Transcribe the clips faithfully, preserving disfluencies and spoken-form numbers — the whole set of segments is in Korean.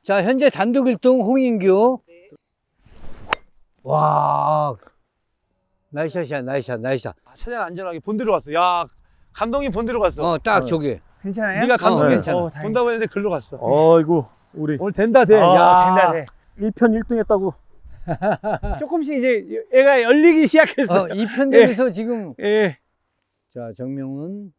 자, 현재 단독 일 등 홍인규. 와, 나이스샷이야, 나이스샷, 나이스샷. 아, 최대한 안전하게 본대로 갔어. 야, 감독님 본대로 갔어. 어, 딱 어. 저기. 괜찮아요? 네가 감독님 어, 괜찮아. 어, 다행이다. 본다고 했는데 글로 갔어. 어이구 우리 오늘 된다 돼. 어, 야, 된다 돼. 일 편 일 등 했다고. 조금씩 이제 애가 열리기 시작했어. 어, 이 편되면서 지금. 예. 자, 정명훈.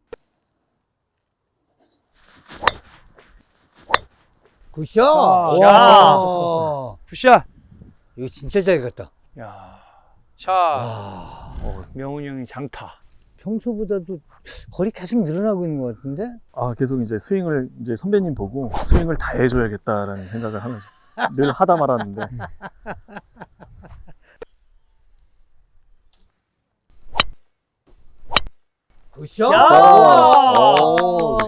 굿샷! 아, 와, 굿샷. 이거 진짜 잘 갔다. 야, 샷. 와, 명훈이 형이 장타. 평소보다도 거리 계속 늘어나고 있는 것 같은데? 아 계속 이제 스윙을 이제 선배님 보고 스윙을 다 해줘야겠다라는 생각을 하면서 늘 하다 말았는데. 굿샷! 오,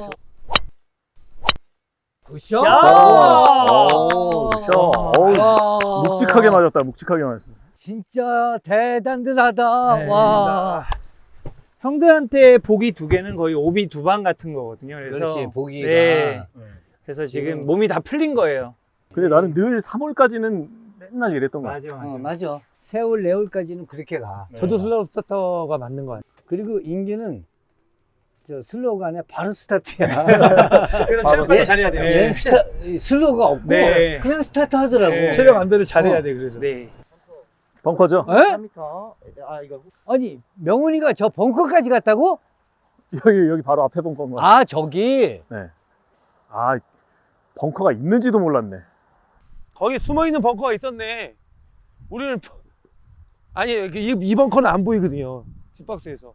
굿샷! 오, 샷. 어우, 와, 묵직하게 맞았다. 묵직하게 맞았어. 진짜 대단하다. 네. 와. 형들한테 보기 두 개는 거의 오비 두 방 같은 거거든요. 그래서 그렇지, 보기가. 네. 그래서 지금 지금- 몸이 다 풀린 거예요. 근데 나는 늘 삼 월까지는 맨날 이랬던 거야. 맞아, 맞아. 어, 맞아. 세월, 네월까지는 그렇게 가. 저도 슬로우 스타터가 맞는 거 같아요. 그리고 인규는 저 슬로우가 아니라 바로 스타트야. 그래서 체력 관리 예. 잘해야 돼요. 얘 스타, 슬로우가 없고 네. 그냥 스타트 하더라고. 네. 체력 안배를 잘해야 어. 돼. 그래서. 네. 벙커죠? 에? 삼 미터. 아 이거 아니, 명훈이가 저 벙커까지 갔다고? 여기 여기 바로 앞에 벙커인 거야. 아, 저기. 네. 아 벙커가 있는지도 몰랐네. 거기 숨어 있는 벙커가 있었네. 우리는 버- 아니 이, 이 벙커는 안 보이거든요. 뒷박스에서.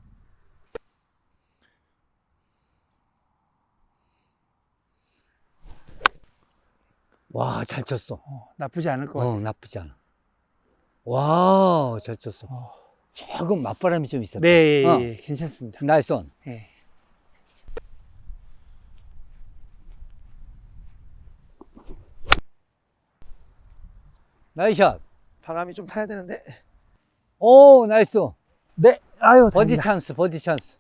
와, 잘 쳤어. 어, 나쁘지 않을 것 같아. 어, 나쁘지 않아. 와, 잘 쳤어. 어. 조금 맞바람이 좀 있었다. 네, 예, 어. 예, 괜찮습니다. 나이스 온. 예. 나이스 샷. 바람이 좀 타야 되는데. 오, 나이스. 네. 아유. 버디 다행이다. 찬스, 버디 찬스.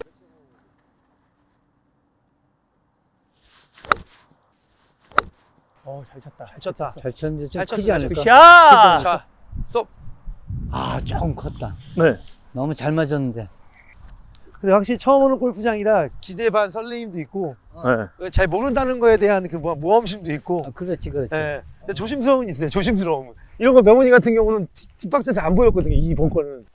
어, 잘 쳤다. 잘 쳤다. 잘 쳤는데 좀 잘 쳤어, 크지 잘 않을까? 샷! 자, 스톱. 아, 조금 컸다. 네. 너무 잘 맞았는데. 근데 확실히 처음 오는 골프장이라 기대 반 설레임도 있고 네. 잘 모른다는 거에 대한 그 모- 모험심도 있고. 아, 그렇지, 그렇지. 예. 근데 조심스러움은 있어요. 조심스러움. 이런 거 명훈이 같은 경우는 뒷- 뒷박스에서 안 보였거든요. 이 벙커는.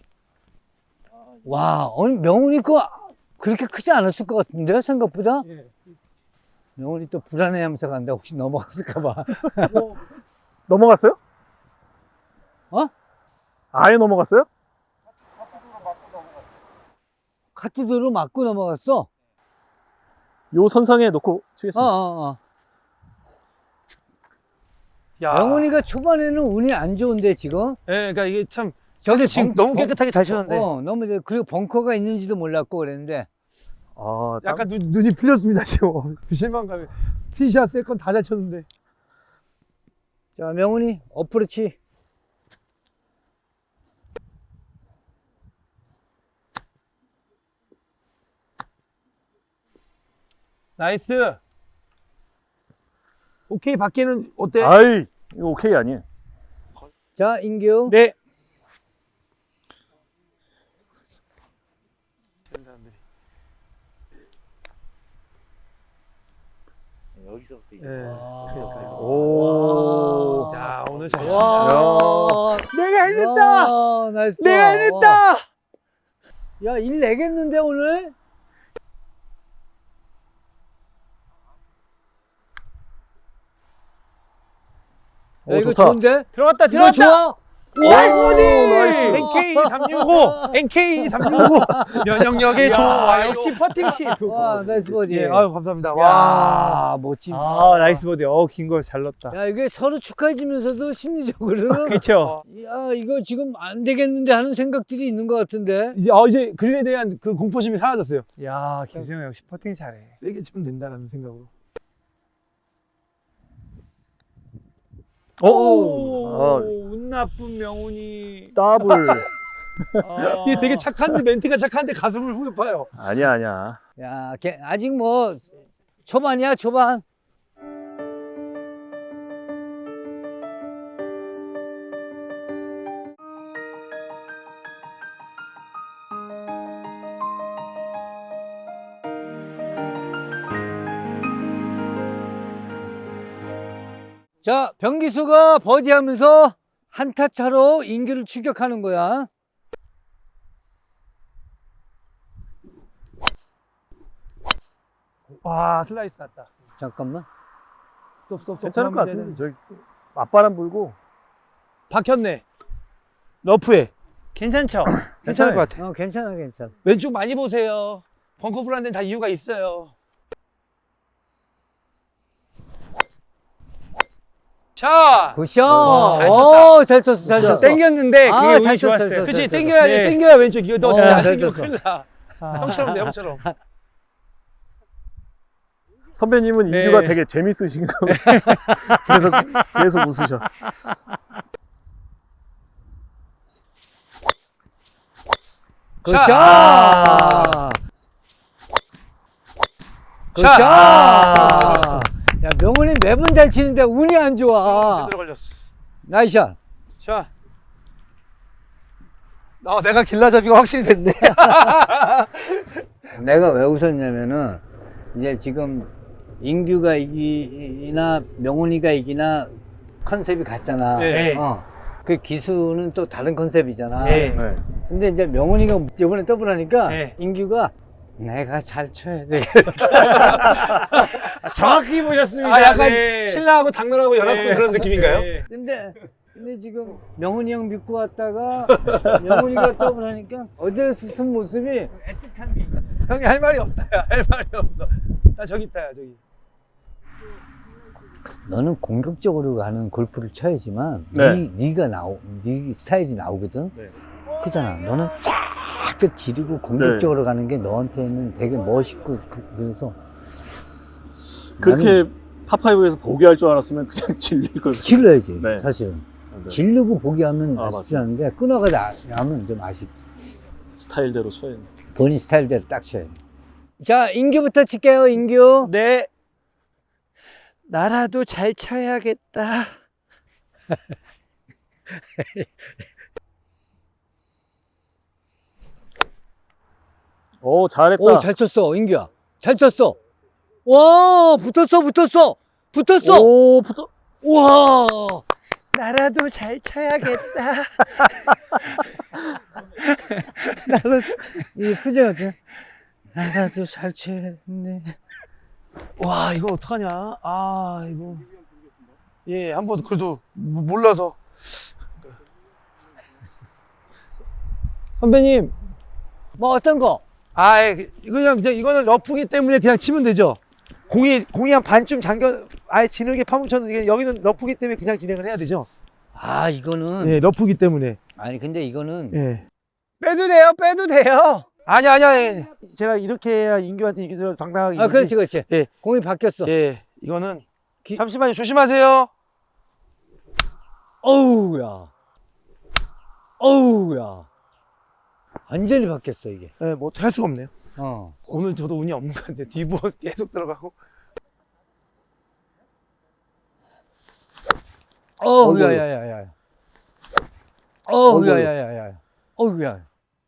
와, 오늘 명훈이 거 그렇게 크지 않았을 것 같은데, 생각보다? 예. 명훈이 또 불안해하면서 간다. 혹시 넘어갔을까봐. 넘어갔어요? 어? 아예 넘어갔어요? 카트도로 맞고 넘어갔어? 요 선상에 놓고 어, 치겠습니다. 어, 어. 야. 명훈이가 초반에는 운이 안 좋은데, 지금? 예, 그러니까 이게 참 저기 지금 벙- 너무 깨끗하게 잘 쳤는데 어, 너무, 이제 그리고 벙커가 있는지도 몰랐고 그랬는데. 아, 땀- 약간 눈, 눈이 풀렸습니다. 지금 그 실망감에 티샷, 세컨 다 잘 쳤는데. 자, 명훈이, 어프로치. 나이스. 오케이 밖에는 어때? 아이 이거 오케이 아니에요. 자, 인규. 네. 여기서부터 이거. 예. 와. 오. 야 오늘 잘 와. 내가 해냈다! 와, 나이스. 내가 파. 해냈다! 야, 일 내겠는데, 오늘? 야, 오, 이거 좋다. 좋은데? 들어갔다, 이거 들어갔다! 좋아? 나이스 오, 버디! 나이스. 엔케이 삼육오 엔케이 삼육오 면역력에 좋아요. 역시 퍼팅시. 와, 나이스 버디. 예, 아유 감사합니다. 와. 와, 멋진. 아, 나이스 버디. 어, 긴 거 잘 넣었다. 야, 이게 서로 축하해주면서도 심리적으로는. 그쵸? 야, 이거 지금 안 되겠는데 하는 생각들이 있는 것 같은데. 이제 어 이제 그린에 대한 그 공포심이 사라졌어요. 야, 기수 형 역시 퍼팅 잘해. 세게 치면 된다라는 생각으로. 오. 아, 운 나쁜 명훈이. 더블. 아. 이게 되게 착한데 멘트가 착한데 가슴을 후벼 파요. 아니야 아니야. 야, 걔 아직 뭐 초반이야, 초반. 자, 변기수가 버디하면서 한타 차로 인규를 추격하는 거야. 와, 슬라이스 났다. 잠깐만. 스톱, 스톱, 스톱. 괜찮을 것 그만 같은데. 문제는. 저기 맞바람 불고 박혔네. 러프에. 괜찮죠? 괜찮을 것 같아. 어, 괜찮아, 괜찮아. 왼쪽 많이 보세요. 벙커 불안 데는 다 이유가 있어요. 샷! 굿샷. 와, 잘 오, 잘 쳤어, 잘 쳤어. 땡겼는데 아, 그게 운이 잘 쳤어, 좋았어요. 잘 쳤어. 그치, 잘 땡겨야지. 네. 땡겨야 왼쪽. 이거 너 어, 진짜 안 잘 땡기면 쳤어. 큰일 나. 형처럼 돼, 형처럼. 선배님은 네. 인규가 되게 재밌으신가 보다. 그래서 계속 웃으셔. 굿샷. 샷! 굿샷. 샷! 야, 명훈이 매번 잘 치는데 운이 안 좋아. 제대로 걸렸어. 나이샷. 샷. 어, 내가 길라잡이가 확실히 됐네. 내가 왜 웃었냐면은 이제 지금 인규가 이기나 명훈이가 이기나 컨셉이 같잖아. 네. 어. 그 기수는 또 다른 컨셉이잖아. 네. 네. 근데 이제 명훈이가 이번에 더블하니까 네. 인규가 내가 잘 쳐야 돼. 아, 정확히 보셨습니다. 아, 약간 네. 신랑하고 당나라하고 연합군 네. 그런 느낌인가요? 네. 근데 근데 지금 명훈이 형 믿고 왔다가 명훈이가 더블하니까 어디에서 쓴 모습이 애틋한 게 있네. 형이 할 말이 없다, 야. 할 말이 없어. 나 저기 있다, 야, 저기. 너는 공격적으로 가는 골프를 쳐야지만 네. 네, 네가 나오, 네 스타일이 나오거든. 네. 그잖아. 너는 쫙쫙 지르고 공격적으로 가는 게 너한테는 되게 멋있고 그- 그래서 그렇게 파파이브에서 보기할 줄 알았으면 그냥 질릴 걸. 질러야지. 네. 사실은 네. 질르고 보기하면 아, 아쉽지 않은데 끊어가다 하면 좀 아쉽지. 스타일대로 쳐야 돼. 본인 스타일대로 딱 쳐야 돼. 자, 인규부터 칠게요. 인규. 네. 나라도 잘 쳐야겠다. 오, 잘했다. 오, 잘 쳤어, 인규야. 잘 쳤어. 와, 붙었어, 붙었어, 붙었어. 오, 붙어. 와, 나라도 잘 쳐야겠다. 나는 이 표정 어때? 나도 잘 쳤네. 와, 이거 어떡하냐? 아, 이거. 예, 한번 그래도 모- 몰라서. 선배님, 뭐 어떤 거? 아, 예, 그냥, 그냥 이거는 러프기 때문에 그냥 치면 되죠. 공이, 공이 한 반쯤 잠겨, 아예 지르게 파묻혔는데, 여기는 러프기 때문에 그냥 진행을 해야 되죠. 아, 이거는 예, 러프기 때문에. 아니 근데 이거는 예. 빼도 돼요, 빼도 돼요. 아니야, 아니야. 예. 제가 이렇게 해야 인규한테 이기더라도 당당하게. 아, 이기지. 그렇지, 그렇지. 예. 공이 바뀌었어. 예, 이거는. 기- 잠시만요, 조심하세요. 어우야, 어우야. 완전히 바뀌었어 이게. 예, 뭐 어떻게 할 수가 없네요. 어. 오늘 저도 운이 없는 것 같은데, 디보 계속 들어가고. 어우야, 야야야. 어우야, 어이구. 야야야. 어우야.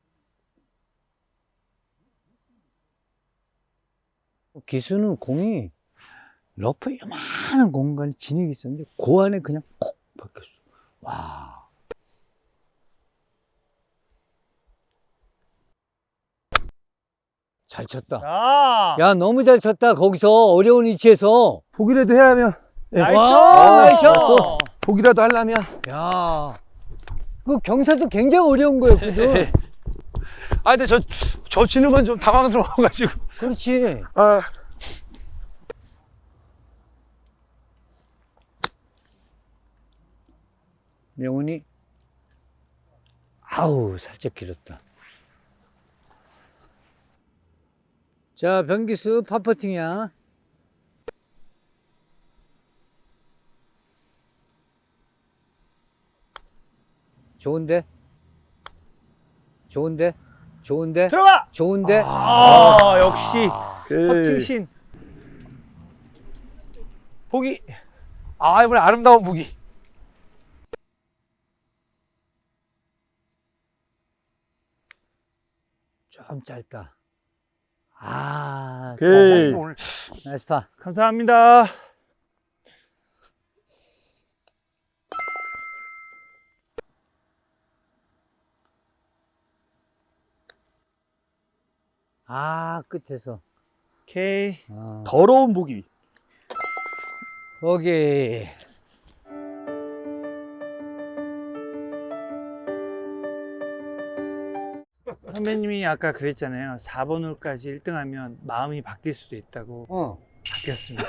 기수는 공이 러프에 요만한 공간에 진흙이 있었는데 그 안에 그냥 콕 박혔어. 와. 잘 쳤다. 아, 야, 너무 잘 쳤다. 거기서 어려운 위치에서. 보기라도 해야면, 예. 나이스. 와, 나이스. 보기라도 하려면. 야. 그 경사도 굉장히 어려운 거였거든. 아, 근데 저, 저 치는 건 좀 당황스러워가지고. 그렇지. 아. 명훈이 아우 살짝 길었다. 자, 변기수 파퍼팅이야. 좋은데? 좋은데? 좋은데? 들어가. 좋은데? 아, 역시 오케이. 퍼팅신. 보기. 아, 이번에 아름다운 보기. 좀 짧다. 아, 오케이. 이거 오늘 나이스 파. 감사합니다. 아, 끝에서. 오케이. 아, 더러운 보기. 거기. 선배님이 아까 그랬잖아요. 사 번 홀까지 일 등 하면 마음이 바뀔 수도 있다고. 어. 바뀌었습니다.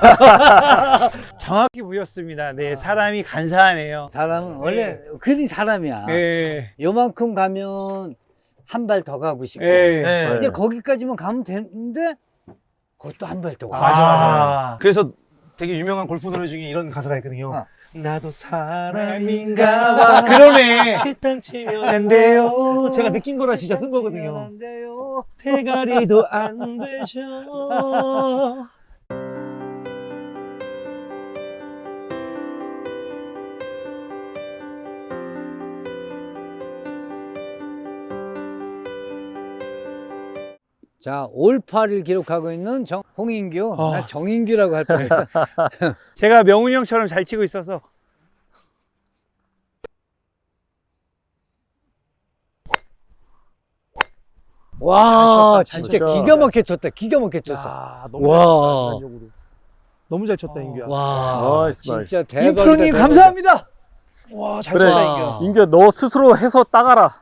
정확히 보였습니다. 네, 사람이 간사하네요. 사람은 원래 그리 사람이야. 예. 요만큼 가면 한 발 더 가고 싶고. 예. 네. 근데 거기까지만 가면 되는데 그것도 한 발 더 가고 맞아, 싶고. 맞아. 그래서 되게 유명한 골프 노래 중에 이런 가사가 있거든요. 어. 나도 사람인가 사람인가 봐. 봐. 그러네. 칠땅 치면 안 돼요. 제가 느낀 거라 진짜 쓴 거거든요. 안 돼요. 대가리도 안 되죠. 자, 올파를 기록하고 있는 정, 홍인규. 아. 나 정인규라고 할 뻔했다. 제가 명훈이 형처럼 잘 치고 있어서. 와, 잘 쳤다, 잘 진짜 쳤다. 기가 막히게 쳤다. 기가 막히게 쳤어. 야, 너무 와. 잘 쳤다, 인간적으로. 너무 잘 쳤다, 인규야. 와, 나이스, 나이스. 진짜 대박이다. 인프로님 대박이다. 감사합니다. 와, 잘 그래. 쳤다, 와. 인규야. 인규야, 너 스스로 해서 따가라.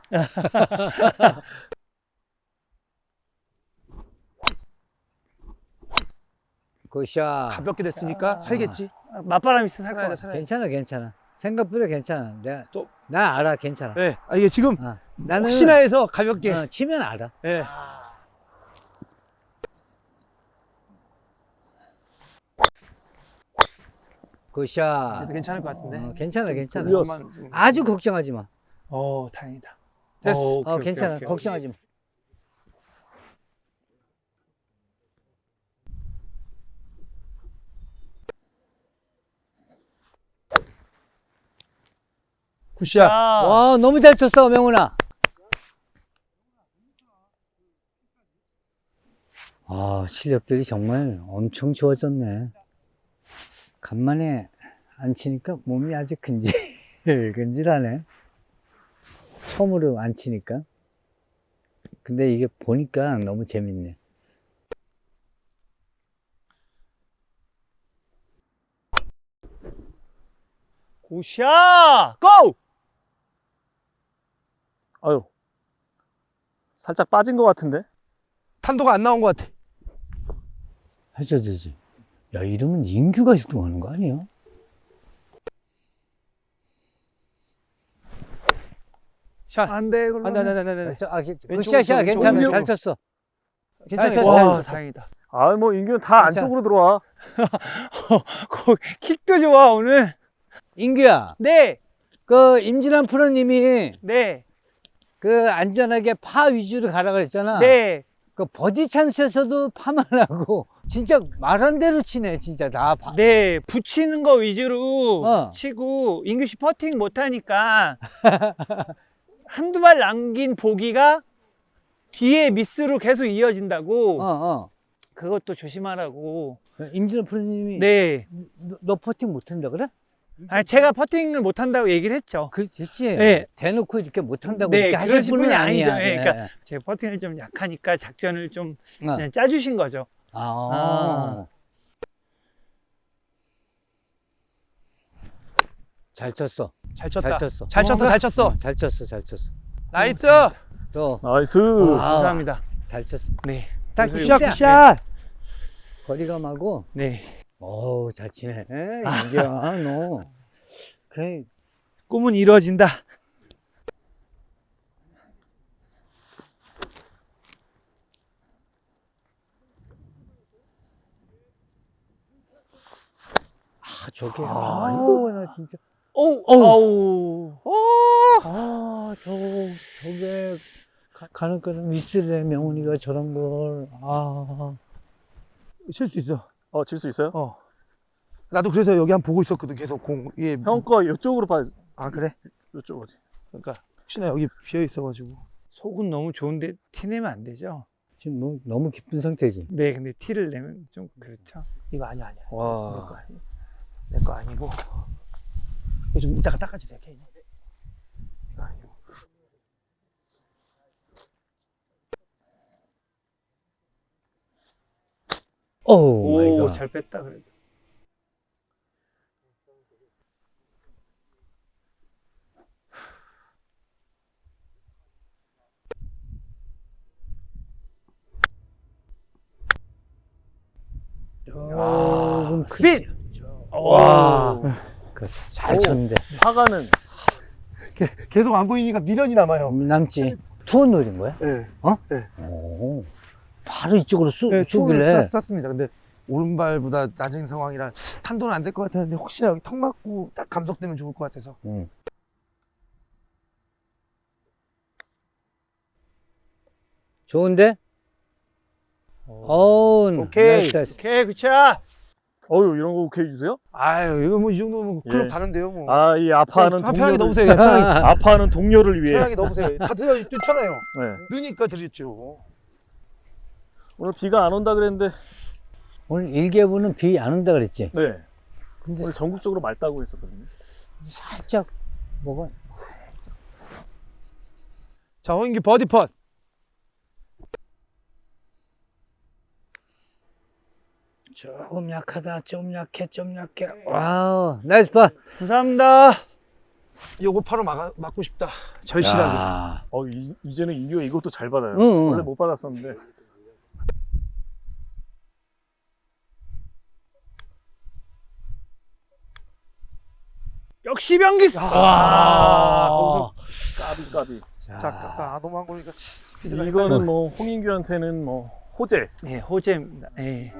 굿샷. 가볍게 됐으니까 살겠지. 맞바람이 있어 살 살아야 돼, 거야. 살아야 돼. 괜찮아, 괜찮아. 생각보다 괜찮아. 내가, 또- 나 알아, 괜찮아. 네. 아, 이게 지금 어, 나는 혹시나 해서 가볍게. 어, 치면 알아. 네. 굿샷. 그래도 괜찮을 것 같은데. 어, 괜찮아, 괜찮아. 돌렸어. 그것만 좀- 아주 걱정하지 마. 어, 다행이다. 됐어. 어, 오케이, 어, 오케이, 괜찮아. 오케이, 오케이. 걱정하지 마. 굿샷. 자, 와, 너무 잘 쳤어, 명훈아. 아, 실력들이 정말 엄청 좋아졌네. 간만에 안 치니까 몸이 아주 근질근질하네. 처음으로 안 치니까. 근데 이게 보니까 너무 재밌네. 굿샷! 고! 아유. 살짝 빠진 것 같은데? 탄도가 안 나온 것 같아. 해줘야 되지. 야, 이러면 인규가 일 등 하는 거 아니야? 샷. 안 돼, 그럼. 안 돼, 안 돼, 안 돼, 안 돼. 저, 아, 그- 왼쪽으로 굿샷이야, 쳐, 괜찮아. 왼쪽으로. 잘 쳤어. 괜찮아. 잘 쳤어, 괜찮아. 잘 와, 쳤어. 다행이다. 아, 뭐, 인규는 다 괜찮아. 안쪽으로 들어와. 거- 킥도 좋아, 오늘. 인규야, 네, 그 임진환 프로님이 네, 그 안전하게 파 위주로 가라 그랬잖아. 네. 그 버디 찬스에서도 파만 하고 진짜 말한 대로 치네, 진짜 다. 파. 네, 붙이는 거 위주로 어. 치고, 인규 씨 퍼팅 못하니까 한두 발 남긴 보기가 뒤에 미스로 계속 이어진다고. 어, 어. 그것도 조심하라고. 임진환 프로님이 네. 너, 너 퍼팅 못한다 그래? 아, 제가 퍼팅을 못한다고 얘기를 했죠. 그렇지. 네. 대놓고 이렇게 못한다고 네, 이렇게 하실 그러신 분은 분이 아니야. 아니죠. 예, 네. 그러니까 제 퍼팅을 좀 약하니까 작전을 좀 어. 그냥 짜주신 거죠. 아. 아. 잘 쳤어. 잘 쳤다. 잘 쳤어. 잘 쳤어, 잘 쳤어. 어, 잘 쳤어, 잘 쳤어. 나이스. 또 나이스. 아. 감사합니다. 잘 쳤어. 네. 딱 굿샷, 진짜 굿샷. 거리감하고. 네. 어우, 잘 치네. 인규야, 너. 그래. 꿈은 이루어진다. 아, 저게. 아, 이거 나 진짜. 오, 어우. 어우. 아, 저, 저게. 가, 가는 거는 미스래, 명훈이가 저런 걸. 아. 칠 수 있어. 어, 질 수 있어요? 어. 나도 그래서 여기 한 번 보고 있었거든. 계속 공. 예. 형 거 이쪽으로 봐. 아, 그래? 이쪽 어디? 그러니까 혹시나 여기 비어 있어가지고. 속은 너무 좋은데 티 내면 안 되죠? 지금 뭐 너무 기쁜 상태지. 네, 근데 티를 내면 좀 그렇죠. 이거 아니야, 아니야. 내 거 와. 아니야. 내 거 아니고. 이거 좀 이따가 닦아주세요, 케이. 이거 아니고. 오 마이 오, 갓. 잘 뺐다 그래도. 조금 스피드! 크지. 와. 그렇죠. 잘 쳤는데. 파가는 계속 안 보이니까 미련이 남아요. 남지. 투원 노린 거야? 네. 오. 바로 이쪽으로 쏘, 네, 쏘길래. 투혼을 쐈습니다. 근데 오른발보다 낮은 상황이라 탄도는 안 될 것 같았는데 혹시나 여기 턱 맞고 딱 감속되면 좋을 것 같아서. 응. 좋은데? 어우, 오케이. 나이스, 나이스. 오케이, 굿샷. 어유 이런 거 오케이 해주세요? 아유 이거 뭐 이 정도면 클럽 예. 다른데요 뭐. 아 이 아파하는 그냥 동료를 편하게 넣으세요. 그냥 편하게, 아파하는 동료를 위해. 편하게 넣으세요. 다 들어 뛰잖아요. 네. 느니까 드렸죠. 오늘 비가 안 온다 그랬는데 오늘 일개부는 비 안 온다 그랬지? 네. 근데 오늘 전국적으로 맑다고 했었거든요. 살짝 뭐가 자 홍인기 버디 펫. 조금 약하다, 좀 약해, 좀 약해. 와우, 나이스 파. 감사합니다. 요거 파로 막아, 막고 싶다. 절실하게. 야. 어 이, 이제는 인규가 이것도 잘 받아요. 응, 응. 원래 못 받았었는데. 역시 변기수. 야. 와, 거기서 까비 까비. 자, 아까 너무 한 거니까 스피드가 이거는 뭐 홍인규한테는 뭐 호재. 예, 호재입니다. 예.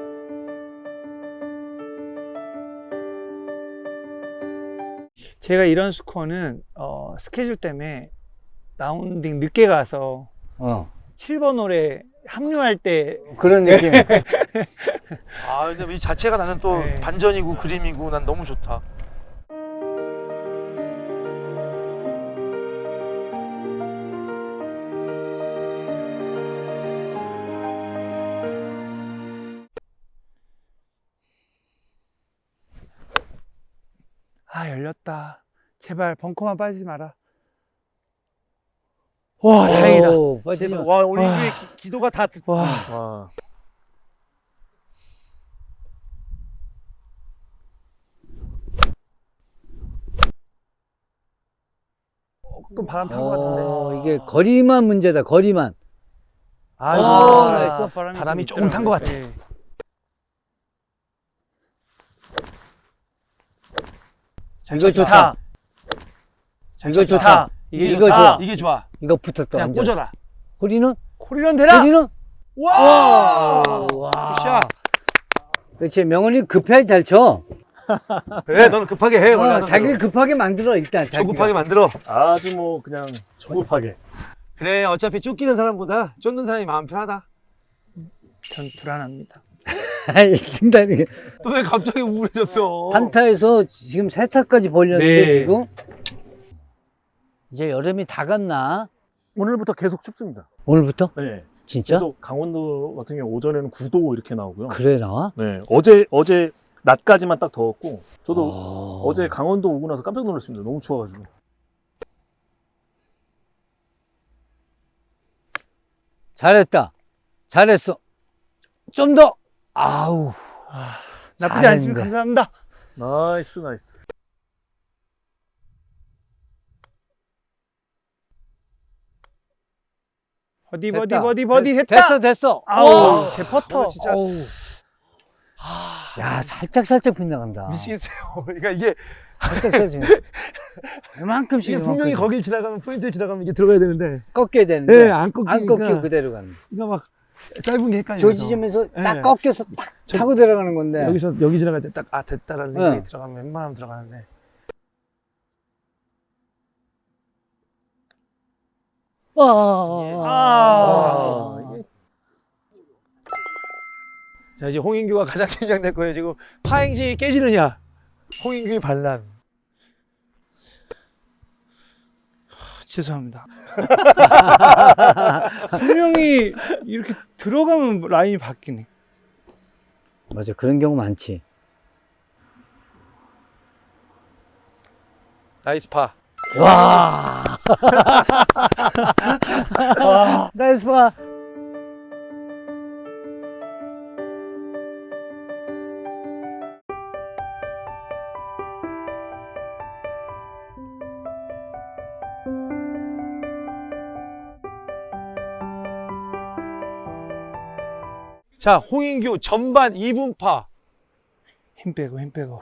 제가 이런 스코어는 어, 스케줄 때문에 라운딩 늦게 가서 어, 칠 번 홀에 합류할 때 그런 느낌. 아 근데 이 자체가 나는 또 네. 반전이고 그림이고 난 너무 좋다. 아, 열렸다. 제발 벙커만 빠지지 마라. 와, 다행이다. 오, 빠지지 마. 와 우리 인규의 기- 기도가 다 듣- 와, 와. 조금 바람 탄 것 같은데. 어, 이게 거리만 문제다, 거리만. 아이고 아, 나이스. 바람이, 바람이 좀 조금 탄 것 있더라고요. 같아. 예. 이거 좋다. 이거 좋다. 이게 이거 좋다. 좋아. 이게 좋아. 이거 붙었다, 그냥 완전. 꽂아라. 호리는? 코리런 되라. 호리는? 와! 와. 굿샷. 그렇지, 명훈이 급하게 잘 쳐. 그래 너는 급하게 해. 원래 어, 하던 자기를 대로. 급하게 만들어, 일단. 자기가. 조급하게 만들어. 아주 뭐 그냥 조급하게. 그래 어차피 쫓기는 사람보다 쫓는 사람이 마음 편하다. 전 불안합니다. 아이, 등단이. 또 왜 갑자기 우울해졌어? 한타에서 지금 세 타까지 벌렸는데, 네. 지금. 이제 여름이 다 갔나? 오늘부터 계속 춥습니다. 오늘부터? 네. 진짜? 계속 강원도 같은 경우 오전에는 구 도 이렇게 나오고요. 그래, 나와? 네. 어제 어제 낮까지만 딱 더웠고 저도 어... 어제 강원도 오고 나서 깜짝 놀랐습니다. 너무 추워가지고. 잘했다. 잘했어. 좀 더. 아우. 나쁘지 않습니다. 잘했는데. 감사합니다. 나이스 나이스. 버디 버디 됐다. 버디 버디 됐- 했다. 됐어, 됐어. 아우, 와. 제 퍼터. 오늘 진짜 어우. 야, 살짝 살짝 빗나간다. 미치겠어요. 그러니까 이게 살짝 살짝. 이만큼씩. 이게 분명히 이만큼씩. 거길 지나가면 포인트를 지나가면 이게 들어가야 되는데 꺾여야 되는데. 예, 안 꺾이니까 안 꺾이고 그대로 가는. 이거 막 짧은 게 헷갈려요. 조지점에서 딱 예. 꺾여서 딱 저- 타고 들어가는 건데. 여기서 여기 지나갈 때 딱 아 됐다라는 생각이 응. 들어가면 웬만하면 들어가는데 와. 아. 이게 자 이제 홍인규가 가장 긴장될 거예요. 지금 파행시 깨지느냐 홍인규의 반란. 죄송합니다. 분명히 이렇게 들어가면 라인이 바뀌네. 맞아, 그런 경우 많지. 나이스 파. 와. 나이스 파. 자, 홍인규 전반 이 분파. 힘 빼고 힘 빼고.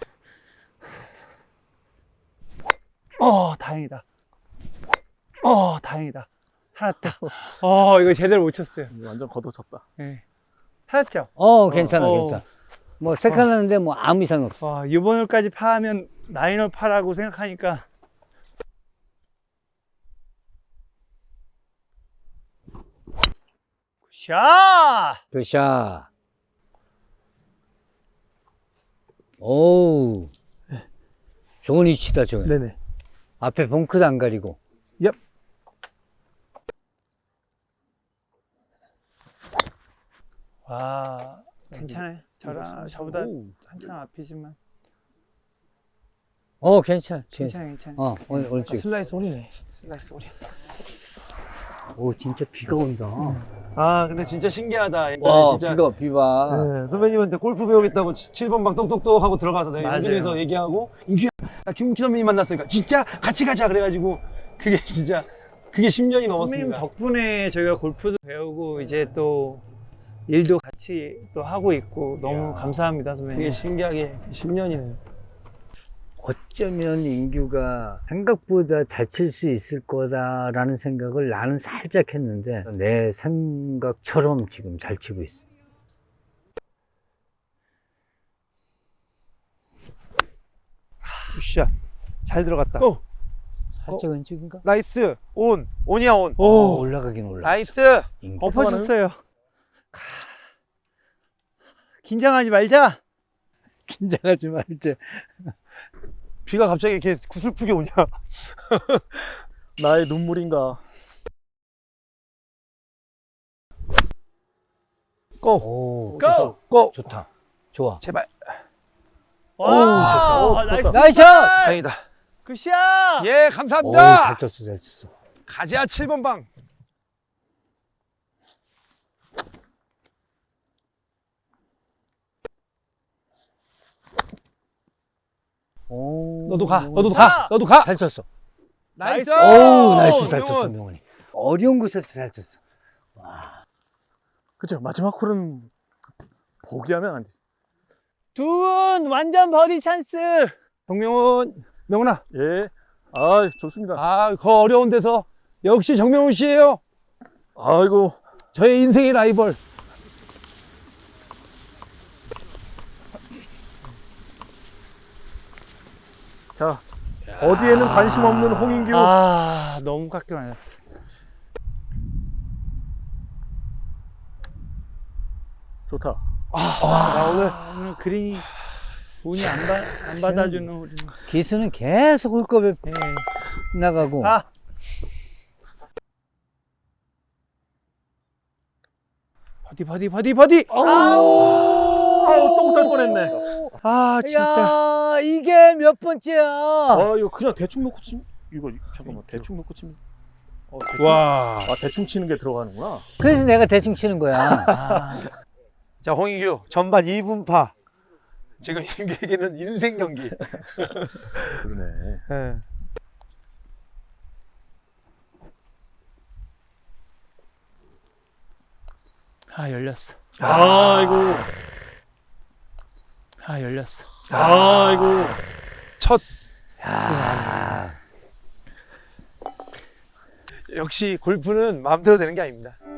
어 다행이다. 어 다행이다. 살았다. 어 이거 제대로 못 쳤어요. 완전 걷어쳤다. 네. 살았죠? 어, 괜찮아, 어. 괜찮아. 뭐, 색깔나는데 뭐 아무 이상 없어. 와 이번 홀까지 파하면 나인홀 파라고 생각하니까. 샷! 굿샷. 오우. 좋은 위치다, 저거. 네네. 앞에 벙크도 안 가리고. 얍. 와 괜찮아요. 저랑 저보다 오. 한참 앞이지만 어, 괜찮아. 괜찮아. 괜찮아 괜찮아. 어, 오늘, 오늘 찍 슬라이스 소리네. 슬라이스 소리. 오, 진짜 비가 온다. 아, 근데 진짜 신기하다. 옛날에 와, 진짜. 비가, 비가. 네, 선배님한테 골프 배우겠다고 칠 번 방 똑똑똑 하고 들어가서 내가 맞아요. 연준에서 얘기하고 인규야 나 김국희 선배님 만났으니까 진짜 같이 가자 그래가지고 그게 진짜 그게 십 년이 선배님 넘었습니다. 덕분에 저희가 골프도 배우고 이제 또 일도 같이 또 하고 있고 너무 감사합니다 되게 선배님. 신기하게 십 년이네요. 어쩌면 인규가 생각보다 잘 칠 수 있을 거다라는 생각을 나는 살짝 했는데 내 생각처럼 지금 잘 치고 있어. 굿샷. 잘 들어갔다. 고! 살짝 왼쪽인가? 나이스. 온. 온이야 온. 오, 오 올라가긴 올라갔어. 나이스. 인규. 엎어졌어요. 긴장하지 말자. 긴장하지 말자. 비가 갑자기 이렇게 구슬프게 오냐. 나의 눈물인가. 고. 오, 고! 고. 좋다. 좋아. 제발. 와 좋다. 나이스 나이스! 다행이다. 굿샷. 예, 오, 감사합니다. 잘 쳤어, 잘 쳤어. 가자 칠 번 방. 오, 너도 가. 명훈이. 너도 가. 너도 가. 잘 쳤어. 나이스. 오, 나이스 잘 쳤어, 명훈. 명훈이. 어려운 곳에서 잘 쳤어. 그죠? 마지막 홀은 포기하면 안 돼. 두 분 완전 버디 찬스. 정명훈. 명훈아. 예. 아, 좋습니다. 아, 그 어려운 데서 역시 정명훈 씨예요. 아이고. 저의 인생의 라이벌. 자, 어디에는 관심 없는 홍인규. 아 너무 깎여 맞았다. 좋다. 나 오늘 아, 오늘 그린이 운이 안, 받, 안 받아주는 홀이. 기수는 계속 홀컵에 네. 나가고. 아 버디 버디 버디 버디. 아우 아우, 똥 쌀 뻔했네. 아 진짜. 야, 이게 몇 번째야? 아, 이거 그냥 대충 놓고 치면 이거 잠깐만 대충 놓고 치면. 어, 대충, 와. 아, 대충 치는 게 들어가는구나. 그래서 내가 대충 치는 거야. 아, 자, 홍인규 전반 이 분파. 지금 인규에게는 인생 경기. 그러네. 예. 아 열렸어. 아이고. 아 열렸어. 아이고. 첫 야, 역시 골프는 마음대로 되는 게 아닙니다.